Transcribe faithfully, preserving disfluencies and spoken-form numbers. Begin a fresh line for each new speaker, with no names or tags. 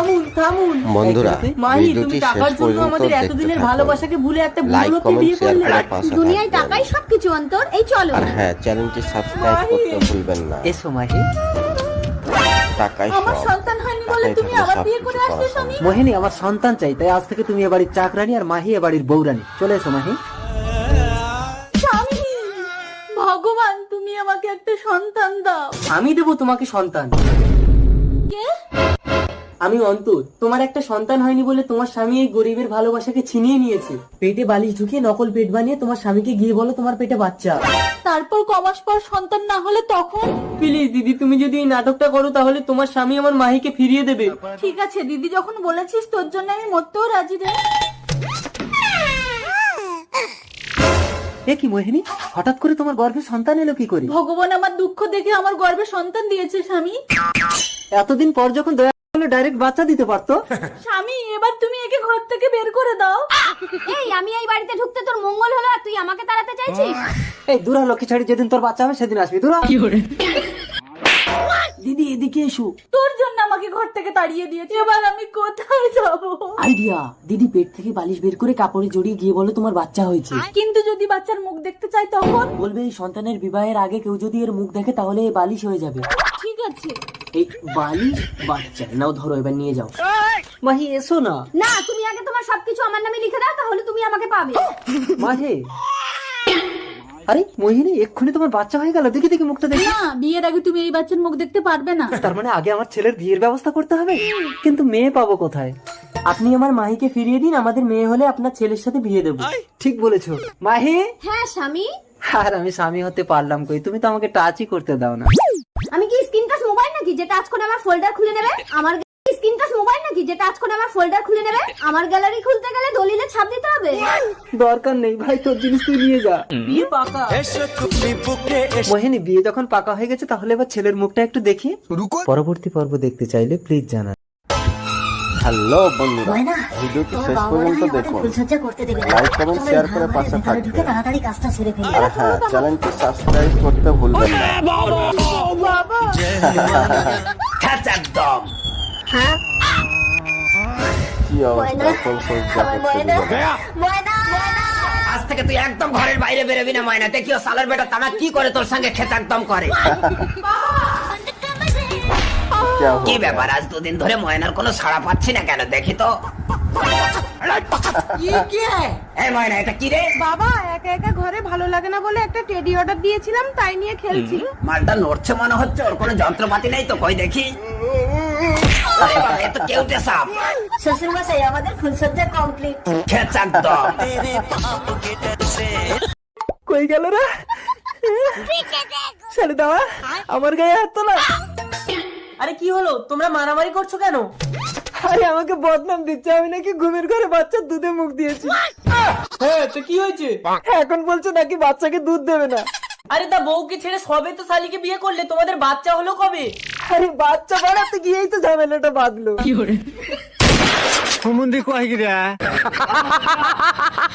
থামুন থামুন
বন্ধুরা
মাহি, তুমি
ভিডিওটি
টাকার
শেষ
জন্য
পর্যন্ত
আমাদের
দেখতে
এতদিনের
থাকুন।
ভালোবাসাকে ভুলে একটা
লাইক
বুড়োকে
কমেন্ট
বিয়ে
শেয়ার
করলে।
করে পাশে
দুনিয়ায়
থাকবেন।
টাকাই সবকিছু অন্তর, এই চলো।
আর হ্যাঁ, চ্যানেলটি সাবস্ক্রাইব করতে ভুলবেন না।
এসো মাহি।
টাকাই
আমার
সব।
সন্তান হয়নি বলে
টাকাই
তুমি
থাকলে
আবার
সব
বিয়ে
কিছু
করে
করা
আসলে
সম্ভব।
স্বামী।
মোহিনী, আমার সন্তান চাই, তাই আজ থেকে তুমি এ বাড়ির চাকরানি আর মাহি এ বাড়ির বউরানি। চলে এসো মাহি।
স্বামী, ভগবান তুমি আমাকে একটা সন্তান দাও।
আমি দেবো তোমাকে সন্তান।
কে?
আমি অন্তর। তোমার একটা সন্তান হয়নি বলে তোমার স্বামী এই গরিবের ভালোবাসাকে ছিনিয়ে নিয়েছে। পেটে বালিশ ঢুকিয়ে নকল পেট বানিয়ে তোমার স্বামীকে গিয়ে বলো তোমার পেটে বাচ্চা।
তারপর কমাস পর সন্তান না হলে তখন?
প্লিজ দিদি, তুমি যদি এই নাটকটা করো তাহলে তোমার স্বামী আমার মাহিকে ফিরিয়ে দেবে।
ঠিক আছে দিদি, যখন বলেছিস তোর জন্য আমি মরতেও রাজি রে।
এ কি মোহিনী, হঠাৎ করে তোমার গর্ভে সন্তান এলো কি করে?
ভগবান আমার দুঃখ দেখে আমার গর্ভে সন্তান দিয়েছে স্বামী।
এতদিন পর যখন দয়া করলে ডাইরেক্ট বাচ্চা দিতে পারতো।
স্বামী, এবার তুমি একে ঘর থেকে বের করে দাও। এই, আমি এই বাড়িতে ঢুকতে তোর মঙ্গল হলো আর তুই আমাকে তাড়াতে চাইছিস?
এই দূরা লক্ষ্মী ছাড়ি, যেদিন তোর বাচ্চা হবে সেদিন আসবি। দূরা। দিদি এদিকে এসো।
তোর জন্য আমাকে ঘর থেকে তাড়িয়ে দিয়েছে, এবার আমি কোথায় যাব?
আইডিয়া, দিদি পেট থেকে বালিশ বের করে কাপড়ে জড়িয়ে গিয়ে বলো তোমার বাচ্চা হয়েছে।
কিন্তু যদি বাচ্চার মুখ দেখতে চাই তখন?
বলবে এই সন্তানের বিবাহের আগে কেউ যদি এর মুখ দেখে তাহলে এই বালিশ হয়ে যাবে।
ঠিক আছে।
এই বালিশ বাচ্চা নাও, ধরো এবার নিয়ে যাও। মাহি এসো না।
না, তুমি আগে তোমার সবকিছু আমার নামে লিখে দাও, তাহলে তুমি আমাকে পাবে।
মাহে, আরে মোহিনী, এক্ষুনি তোমার বাচ্চা হয়ে গেল। দেখি দেখি মুখটা দেখি।
না, বিয়ের আগে তুমি এই বাচ্চার মুখ দেখতে পারবে না।
তার মানে আগে আমার ছেলের বিয়ের ব্যবস্থা করতে হবে। কিন্তু মেয়ে পাবো কোথায়? আপনি আমার মাহিকে ফিরিয়ে দিন, আমাদের মেয়ে হলে আপনার ছেলের সাথে বিয়ে দেবো। ঠিক বলেছো মাহি।
হ্যাঁ স্বামী।
আর আমি স্বামী হতে পারলাম কই, তুমি তো আমাকে টাচই করতে দাও না।
আমি কি স্ক্রিন টাচ মোবাইল নাকি যে টাচ করে আমার ফোল্ডার খুলে নেবে? আমার স্ক্রিন টাচ মোবাইল নাকি যে টাচ করে আমার ফোল্ডার খুলে নেবে? আমার গ্যালারি খুলতে গেলে দলিলে ছাপ দিতে হবে।
দরকার নেই ভাই, তোর জিনিস তুই নিয়ে যা। বিয়ে পাকা। মোহিনী, বিয়ে যখন পাকা হয়ে গেছে তাহলে এবার ছেলের মুখটা একটু দেখি। পরবর্তী পর্ব দেখতে চাইলে প্লিজ জানান।
হ্যালো বন্ধুরা, ভিডিওটি শেষ পর্যন্ত দেখুন। লাইক কমেন্ট শেয়ার করে পাশে থাকবেন। আর হ্যাঁ, চ্যানেলটি সাবস্ক্রাইব করতে ভুলবেন না। কি অবস্থা, এখন সজ্জা করতে দিল না।
আজ থেকে তুই একদম ঘরের বাইরে বেরোবি না ময়না। দেখিও সালার বেটা তারা কি করে তোর সঙ্গে খেতে একদম করে।
क्या हो
কি
गया?
ব্যাপার, আজ দুদিন ধরে ময়নার কোনো সাড়া পাচ্ছি না কেন? দেখি তো। এই ময়না, এটা কি রে?
বাবা, একা একা ঘরে ভালো লাগে না বলে একটা টেডি অর্ডার দিয়েছিলাম, তাই নিয়ে খেলছি।
মালটা নড়ছে মনে হচ্ছে, ওর কোনো যন্ত্রপাতি নেই তো, কই দেখি। আরে বাবা, এ তো কেউটে সাপ।
শ্বশুর মশাই, আমাদের ফুলসজ্জা কমপ্লিট।
খেতে একদম।
কই গেল রে? ছেড়ে দাও, আমার গায়ে হাত তোলা। আরে কি হলো, তোমরা মারামারি করছো কেন? আরে আমাকে বদনাম দিচ্ছে, আমি নাকি ঘুমের ঘরে বাচ্চার দুধে মুখ দিয়েছি। হ্যাঁ, তো কি হয়েছে? এখন বলছো নাকি বাচ্চাকে দুধ দেবে না। আরে তা বউকে ছেড়ে সবে তো শালিকে বিয়ে করলে, তোমাদের বাচ্চা হলো কবে? আরে বাচ্চা বাড়াতে গিয়েই তো ঝামেলাটা বাঁধলো। কি করে?